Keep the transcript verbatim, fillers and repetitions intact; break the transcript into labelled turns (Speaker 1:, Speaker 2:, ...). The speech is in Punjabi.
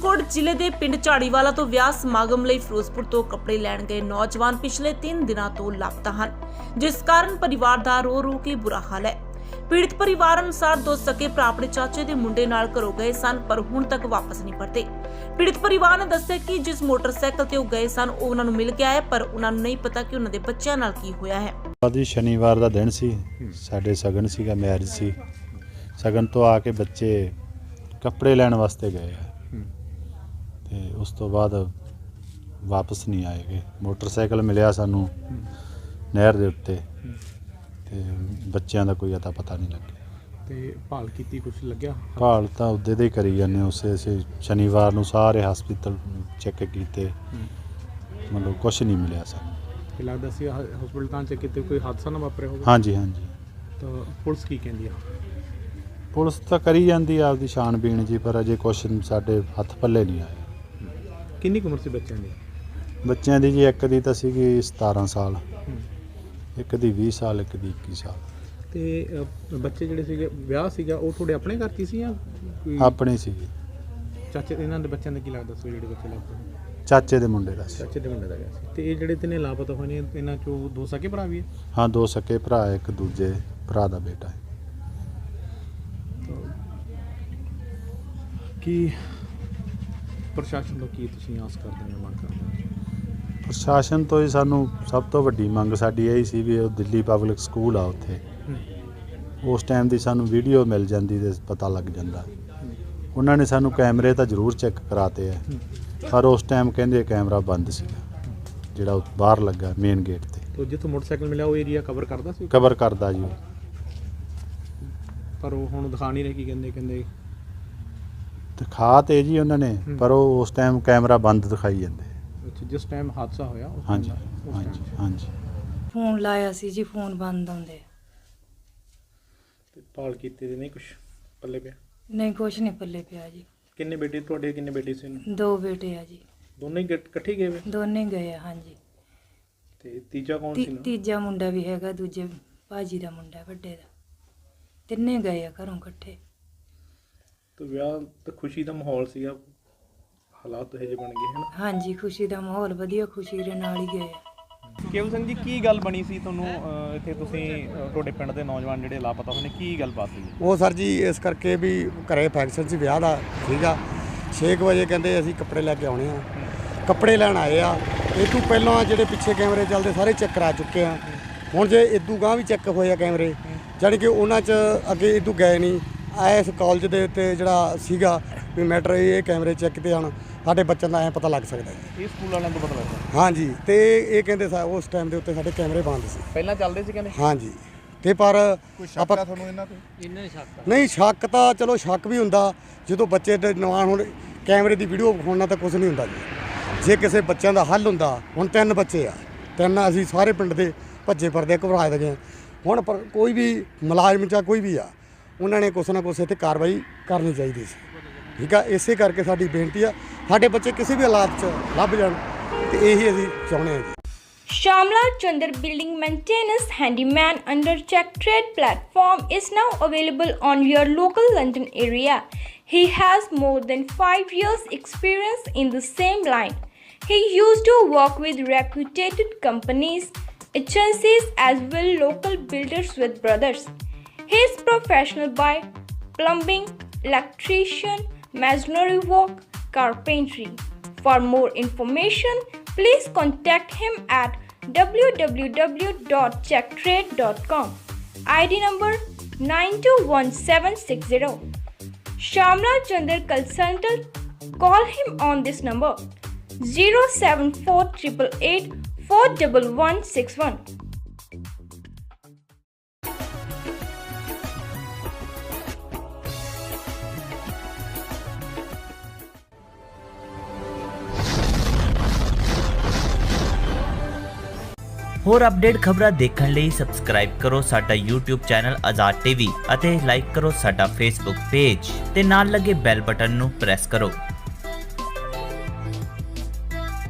Speaker 1: ਫਰੀਦਕੋਟ ਜ਼ਿਲ੍ਹੇ ਦੇ ਪਿੰਡ ਝਾੜੀਵਾਲਾ ਤੋਂ ਵਿਆਹ ਸਮਾਗਮ ਲਈ ਫਿਰੋਜ਼ਪੁਰ ਤੋਂ ਕੱਪੜੇ ਲੈਣ ਗਏ ਨੌਜਵਾਨ ਪਿਛਲੇ ਤਿੰਨ ਦਿਨਾਂ ਤੋਂ ਲਾਪਤਾ ਹਨ, ਜਿਸ ਕਾਰਨ ਪਰਿਵਾਰ ਦਾ ਰੋ ਰੋ ਕੇ ਬੁਰਾ ਹਾਲ ਹੈ। ਪੀੜਤ ਪਰਿਵਾਰ ਅਨੁਸਾਰ ਦੋ ਸਕੇ ਭਰਾ ਆਪਣੇ ਚਾਚੇ ਦੇ ਮੁੰਡੇ ਨਾਲ ਘਰੋਂ ਗਏ ਸਨ, ਪਰ ਹੁਣ ਤੱਕ ਵਾਪਸ ਨਹੀਂ ਪਰਤੇ। ਪੀੜਤ ਪਰਿਵਾਰ ਨੇ ਦੱਸਿਆ ਕਿ ਜਿਸ ਮੋਟਰਸਾਈਕਲ ਤੇ ਉਹ ਗਏ ਸਨ ਉਹ ਉਹਨਾਂ ਨੂੰ ਮਿਲ ਗਿਆ ਹੈ, ਪਰ ਉਹਨਾਂ ਨੂੰ ਨਹੀਂ ਪਤਾ ਕਿ ਉਹਨਾਂ ਦੇ ਬੱਚਿਆਂ ਨਾਲ ਕੀ ਹੋਇਆ ਹੈ।
Speaker 2: ਅੱਜ ਸ਼ਨੀਵਾਰ ਦਾ ਦਿਨ ਸੀ, ਸਾਡੇ ਸਗਨ ਸੀਗਾ, ਮੈਰਿਜ ਸੀ। ਸਗਨ ਤੋਂ ਆ ਕੇ ਬੱਚੇ ਕੱਪੜੇ ਲੈਣ ਵਾਸਤੇ ਗਏ ਆ ਤੇ ਉਸ ਤੋਂ ਬਾਅਦ ਵਾਪਸ ਨਹੀਂ ਆਏਗੇ। ਮੋਟਰਸਾਈਕਲ ਮਿਲਿਆ ਸਾਨੂੰ ਨਹਿਰ ਦੇ ਉੱਤੇ ਤੇ ਬੱਚਿਆਂ ਦਾ ਕੋਈ ਅਤਾ ਪਤਾ ਨਹੀਂ ਲੱਗਿਆ।
Speaker 3: ਤੇ ਭਾਲ ਕੀਤੀ, ਕੁਝ ਲੱਗਿਆ?
Speaker 2: ਭਾਲ ਤਾਂ ਉਹਦੇ ਦੇ ਹੀ ਕਰੀ ਜਾਂਦੇ। ਉਸੇ ਅਸੀਂ ਸ਼ਨੀਵਾਰ ਨੂੰ ਸਾਰੇ ਹਸਪੀਟਲ ਚੈੱਕ ਕੀਤੇ, ਮਤਲਬ ਕੁਝ ਨਹੀਂ ਮਿਲਿਆ ਸਾਨੂੰ।
Speaker 3: ਤੇ ਲੱਗਦਾ ਸੀ ਹਸਪੀਟਲਾਂ 'ਚ ਕਿਤੇ ਕੋਈ ਹਾਦਸਾ ਨਾ ਵਾਪਰਿਆ ਹੋਵੇ।
Speaker 2: ਹਾਂਜੀ ਹਾਂਜੀ।
Speaker 3: ਤਾਂ ਪੁਲਿਸ ਕੀ ਕਹਿੰਦੀ ਆ?
Speaker 2: ਪੁਲਿਸ ਤਾਂ ਕਰੀ ਜਾਂਦੀ ਆ ਆਪਦੀ ਛਾਣਬੀਣ ਜੀ, ਪਰ ਅਜੇ ਕੁਛ ਸਾਡੇ ਹੱਥ ਪੱਲੇ ਨਹੀਂ ਆਇਆ।
Speaker 3: ਕਿੰਨੀ ਕੁ ਉਮਰ ਸੀ ਬੱਚਿਆਂ ਦੀ?
Speaker 2: ਬੱਚਿਆਂ ਦੀ ਜੀ ਇੱਕ ਦੀ ਤਾਂ ਸੀਗੀ ਸਤਾਰਾਂ ਸਾਲ, ਇੱਕ ਦੀ ਵੀਹ ਸਾਲ, ਇੱਕ ਦੀ ਇੱਕੀ ਸਾਲ।
Speaker 3: ਤੇ ਅ, ਬੱਚੇ ਜਿਹੜੇ ਸੀਗੇ, ਵਿਆਹ ਸੀਗਾ ਉਹ ਤੁਹਾਡੇ ਆਪਣੇ ਘਰ 'ਚ ਹੀ ਸੀ ਜਾਂ ਕੋਈ
Speaker 2: ਆਪਣੇ ਸੀਗੇ।
Speaker 3: ਚਾਚੇ ਇਹਨਾਂ ਦੇ ਬੱਚਿਆਂ ਦਾ ਕੀ ਲੱਗਦਾ ਸੀ ਜਿਹੜੇ ਬੱਚੇ ਲਾਪਤਾ?
Speaker 2: ਚਾਚੇ ਦੇ ਮੁੰਡੇ ਦਾ ਸੀ।
Speaker 3: ਚਾਚੇ ਦੇ ਮੁੰਡੇ ਦਾ ਗਿਆ ਸੀ। ਤੇ ਇਹ ਜਿਹੜੇ ਤਿੰਨੇ ਲਾਪਤਾ ਹੋਏ ਨੇ ਇਹਨਾਂ 'ਚੋਂ ਦੋ ਸਕੇ ਭਰਾ ਵੀ ਹੈ?
Speaker 2: ਹਾਂ, ਦੋ ਸਕੇ ਭਰਾ, ਇੱਕ ਦੂਜੇ ਭਰਾ ਦਾ ਬੇਟਾ ਹੈ।
Speaker 3: ਕੀ ਪ੍ਰਸ਼ਾਸਨ ਤੋਂ ਕੀ ਤੁਸੀਂ ਆਸ ਕਰਦੇ ਹੋ, ਮੰਗ ਕਰਦੇ ਹੋ?
Speaker 2: ਪ੍ਰਸ਼ਾਸਨ ਤੋਂ ਹੀ ਸਾਨੂੰ ਸਭ ਤੋਂ ਵੱਡੀ ਮੰਗ ਸਾਡੀ ਇਹ ਸੀ ਵੀ ਉਹ ਦਿੱਲੀ ਪਬਲਿਕ ਸਕੂਲ ਆ, ਉੱਥੇ ਉਸ ਟਾਈਮ ਦੀ ਸਾਨੂੰ ਵੀਡੀਓ ਮਿਲ ਜਾਂਦੀ ਤੇ ਪਤਾ ਲੱਗ ਜਾਂਦਾ। ਉਹਨਾਂ ਨੇ ਸਾਨੂੰ ਕੈਮਰੇ ਤਾਂ ਜ਼ਰੂਰ ਚੈੱਕ ਕਰਾਤੇ ਆ, ਪਰ ਉਸ ਟਾਈਮ ਕਹਿੰਦੇ ਕੈਮਰਾ ਬੰਦ ਸੀਗਾ ਜਿਹੜਾ ਬਾਹਰ ਲੱਗਾ ਮੇਨ ਗੇਟ ਤੇ।
Speaker 3: ਤੋ ਜਿੱਥੋਂ ਮੋਟਰਸਾਈਕਲ ਮਿਲਿਆ ਉਹ ਏਰੀਆ ਕਵਰ ਕਰਦਾ ਸੀ?
Speaker 2: ਕਵਰ ਕਰਦਾ ਜੀ,
Speaker 3: ਪਰ ਉਹ ਹੁਣ ਦਿਖਾ ਨਹੀਂ ਰਹੇ। ਕੀ ਕਹਿੰਦੇ? ਕਹਿੰਦੇ
Speaker 2: ਦਿਖਾ ਤੇ ਜੀ ਉਹਨਾਂ ਨੇ, ਪਰ ਉਹ ਉਸ ਟਾਈਮ ਕੈਮਰਾ ਬੰਦ ਦਿਖਾਈ ਜਾਂਦੇ।
Speaker 3: ਅੱਛਾ, ਜਿਸ ਟਾਈਮ ਹਾਦਸਾ ਹੋਇਆ ਉਸ
Speaker 2: ਹਾਂਜੀ
Speaker 3: time ਉਸ
Speaker 2: ਹਾਂਜੀ
Speaker 3: time?
Speaker 2: ਹਾਂਜੀ।
Speaker 4: ਫੋਨ ਲਾਇਆ ਸੀ ਜੀ, ਫੋਨ ਬੰਦ ਆਉਂਦੇ।
Speaker 3: ਤੇ ਭਾਲ ਕੀਤੀ ਤੇ ਨਹੀਂ ਕੁਝ ਪੱਲੇ ਪਿਆ?
Speaker 4: ਨਹੀਂ, ਕੁਛ ਨਹੀਂ ਪੱਲੇ ਪਿਆ ਜੀ।
Speaker 3: ਕਿੰਨੇ ਬੇਟੇ ਤੁਹਾਡੇ, ਕਿੰਨੇ ਬੇਟੇ ਸੀ?
Speaker 4: ਦੋ ਬੇਟੇ ਆ ਜੀ।
Speaker 3: ਦੋਨੇ ਹੀ ਇਕੱਠ- ਇਕੱਠੇ ਗਏ ਵੇ?
Speaker 4: ਦੋਨੇ ਗਏ ਆ, ਹਾਂਜੀ।
Speaker 3: ਤੇ ਤੀਜਾ ਕੌਣ
Speaker 4: ਤੀ-
Speaker 3: ਸੀ ਨਾਲ?
Speaker 4: ਤੀਜਾ ਮੁੰਡਾ ਵੀ ਹੈਗਾ, ਦੂਜੇ ਭਾਜੀ ਦਾ ਮੁੰਡਾ, ਵੱਡੇ ਦਾ। ਤਿੰਨੇ ਗਏ ਆ ਘਰੋਂ ਇਕੱਠੇ।
Speaker 3: ਤੇ ਵਿਆਹ ਤੇ ਖੁਸ਼ੀ ਦਾ ਮਾਹੌਲ ਸੀਗਾ, ਹਾਲਾਤ ਇਹ ਜਿਹੇ ਬਣ ਗਏ ਹਨ।
Speaker 4: ਹਾਂਜੀ, ਖੁਸ਼ੀ ਦਾ ਮਾਹੌਲ ਵਧੀਆ, ਖੁਸ਼ੀ ਦੇ ਨਾਲ ਹੀ ਗਏ ਆ।
Speaker 3: ਕੇਵਲ ਸਿੰਘ ਜੀ, ਕੀ ਗੱਲ ਬਣੀ ਸੀ ਤੁਹਾਨੂੰ ਅਹ, ਇੱਥੇ ਤੁਸੀਂ ਅਹ, ਤੁਹਾਡੇ ਪਿੰਡ ਦੇ ਨੌਜਵਾਨ ਜਿਹੜੇ ਲਾਪਤਾ ਹੋਏ ਨੇ, ਕੀ ਗੱਲਬਾਤ ਸੀ?
Speaker 5: ਉਹ ਸਰ ਜੀ ਇਸ ਕਰਕੇ ਵੀ ਘਰੇ ਫੰਕਸ਼ਨ ਸੀ, ਵਿਆਹ ਦਾ ਸੀਗਾ। ਛੇ ਕੁ ਵਜੇ ਕਹਿੰਦੇ ਅਸੀਂ ਕੱਪੜੇ ਲੈ ਕੇ ਆਉਣੇ ਆ। ਕੱਪੜੇ ਲੈਣ ਆਏ ਆ। ਇਹ ਤੋਂ ਪਹਿਲਾਂ ਜਿਹੜੇ ਪਿੱਛੇ ਕੈਮਰੇ ਚੱਲਦੇ ਸਾਰੇ ਚੈੱਕ ਕਰਾ ਚੁੱਕੇ ਆ। ਹੁਣ ਜੇ ਇਦੋਂ ਗਾਂਹ ਵੀ ਚੈੱਕ ਹੋਏ ਆ ਕੈਮਰੇ, ਜਾਣੀ ਕਿ ਉਹਨਾਂ 'ਚ ਅੱਗੇ ਇਦੋਂ ਗਏ ਨਹੀਂ। ਇਸ ਕਾਲਜ ਦੇ ਉੱਤੇ ਜਿਹੜਾ ਸੀਗਾ ਵੀ ਮੈਟਰ, ਇਹ ਕੈਮਰੇ ਚੈੱਕ ਤੇ ਆਉਣ ਸਾਡੇ ਬੱਚਿਆਂ ਦਾ ਐਂ ਪਤਾ ਲੱਗ ਸਕਦਾ ਜੀ।
Speaker 3: ਇਹ ਸਕੂਲ ਵਾਲਿਆਂ ਤੋਂ ਪਤਾ ਲੱਗਦਾ?
Speaker 5: ਹਾਂਜੀ। ਤੇ ਇਹ ਕਹਿੰਦੇ ਸਾ ਉਸ ਟਾਈਮ ਦੇ ਉੱਤੇ ਸਾਡੇ ਕੈਮਰੇ ਬੰਦ ਸੀ।
Speaker 3: ਪਹਿਲਾਂ ਚੱਲਦੇ ਸੀ ਕਹਿੰਦੇ?
Speaker 5: ਹਾਂਜੀ। ਤੇ ਪਰ ਆਪਾਂ
Speaker 3: ਤੁਹਾਨੂੰ ਇਹਨਾਂ ਤੋਂ? ਇਹਨਾਂ ਹੀ ਸ਼ੱਕ?
Speaker 5: ਨਹੀਂ, ਸ਼ੱਕ ਤਾਂ ਚਲੋ ਸ਼ੱਕ ਵੀ ਹੁੰਦਾ ਜਦੋਂ ਬੱਚੇ ਦੇ ਨਵਾਂ ਹੁਣ ਕੈਮਰੇ ਦੀ ਵੀਡੀਓ ਵਿਖਾਉਣਾ ਤਾਂ ਕੁਝ ਨਹੀਂ ਹੁੰਦਾ ਜੀ। ਜੇ ਕਿਸੇ ਬੱਚਿਆਂ ਦਾ ਹੱਲ ਹੁੰਦਾ, ਹੁਣ ਤਿੰਨ ਬੱਚੇ ਆ, ਤਿੰਨ ਅਸੀਂ ਸਾਰੇ ਪਿੰਡ ਦੇ ਭੱਜੇ ਫਿਰਦੇ ਘਬਰਾਏ ਦੇ ਗਏ। ਹੁਣ ਪਰ ਕੋਈ ਵੀ ਮੁਲਾਜ਼ਮ ਜਾਂ ਕੋਈ ਵੀ ਆ, ਉਹਨਾਂ ਨੇ ਕੁਛ ਨਾ ਕੁਛ ਇੱਥੇ ਕਾਰਵਾਈ ਕਰਨੀ ਚਾਹੀਦੀ ਸੀ। ਠੀਕ ਆ, ਇਸੇ ਕਰਕੇ ਸਾਡੀ ਬੇਨਤੀ ਆ, ਸਾਡੇ ਬੱਚੇ ਕਿਸੇ ਵੀ ਹਾਲਾਤ 'ਚ ਲੱਭ ਜਾਣ, ਤੇ ਇਹੀ ਅਸੀਂ ਚਾਹੁੰਦੇ ਹਾਂ ਜੀ।
Speaker 6: Shamla Chandar Building Maintenance Handyman under Check Trade platform is now available on your local London area. He has more than five years experience in the same line. He used to work with reputed companies, agencies as well local builders with brothers. He is professional by plumbing, electrician, masonry work, carpentry. For more information, please contact him at w w w dot check trade dot com. I D number nine two one seven six zero. Shamla Chandar Consultant. Call him on this number zero seven four eight eight eight four one one six one.
Speaker 7: ਹੋਰ ਅਪਡੇਟ ਖਬਰਾਂ ਦੇਖਣ ਲਈ ਸਬਸਕ੍ਰਾਈਬ ਕਰੋ ਸਾਡਾ YouTube ਚੈਨਲ ਆਜ਼ਾਦ ਟੀਵੀ ਅਤੇ ਲਾਈਕ ਕਰੋ ਸਾਡਾ Facebook ਪੇਜ ਤੇ ਨਾਲ ਲੱਗੇ ਬੈਲ ਬਟਨ ਨੂੰ ਪ੍ਰੈਸ ਕਰੋ।